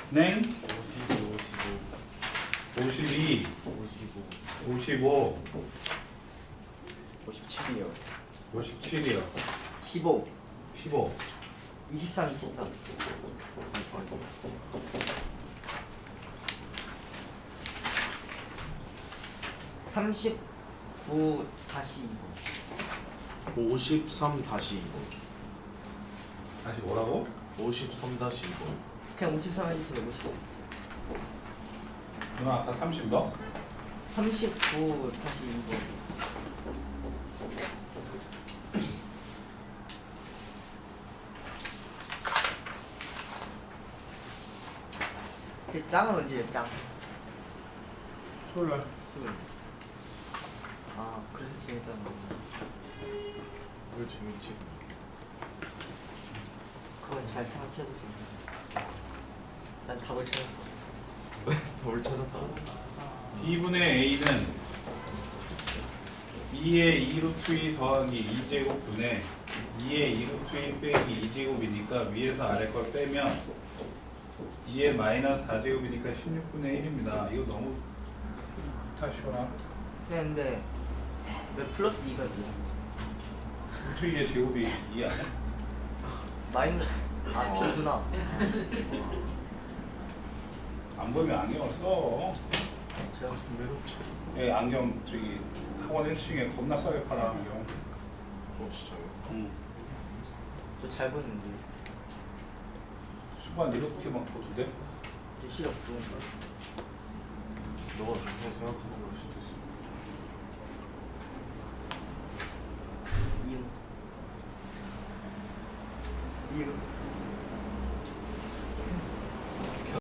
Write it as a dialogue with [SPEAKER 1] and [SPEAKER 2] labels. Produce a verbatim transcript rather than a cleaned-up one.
[SPEAKER 1] 냉
[SPEAKER 2] 오십이,
[SPEAKER 1] 오십이,
[SPEAKER 2] 오십오,
[SPEAKER 1] 오십오,
[SPEAKER 3] 오십칠이요.
[SPEAKER 1] 오십칠이요.
[SPEAKER 3] 십오.
[SPEAKER 1] 십오,
[SPEAKER 3] 이십삼, 이십삼. 삼십구 다시 이거.
[SPEAKER 2] 오십삼 다시 이거.
[SPEAKER 1] 다시 뭐라고?
[SPEAKER 2] 오십삼 다시 이거.
[SPEAKER 3] 그냥 오십삼 해주세요. 오십오.
[SPEAKER 1] 누나 아까 삼십 너?
[SPEAKER 3] 삼십구 다시 이거. 제 짱은 언제예요? 짱.
[SPEAKER 1] 토요일날.
[SPEAKER 3] 토요일. 아 그래서 재밌다는 거.
[SPEAKER 2] 왜 재밌지?
[SPEAKER 3] 그건 잘 생각해보세요. 난 답을 찾았어.
[SPEAKER 2] 덜 찾았다고?
[SPEAKER 1] b분의 a는 이의 이 루트 이 더하기 이 제곱분의 이의 이 루트 이 빼기 이 제곱이니까 위에서 아래 걸 빼면 이의 마이너스 사 제곱이니까 십육분의 일입니다. 이거 너무 다시거나
[SPEAKER 3] 근데 왜 플러스 이가 있어?
[SPEAKER 1] 루트 이의 제곱이 이 아니야?
[SPEAKER 3] 마이너스 아 B구나.
[SPEAKER 1] 안 보이면 안경을 써.
[SPEAKER 3] 제가
[SPEAKER 2] 외롭지.
[SPEAKER 1] 예, 안경 저기 학원 일 층에 겁나 싸게 팔아 안경.
[SPEAKER 2] 어 진짜요?
[SPEAKER 1] 응.
[SPEAKER 3] 저 잘 보는데
[SPEAKER 1] 수반 이렇게 막 보던데?
[SPEAKER 3] 저 시력 좋은 거.
[SPEAKER 2] 너가 좋다고 생각하는 걸 수도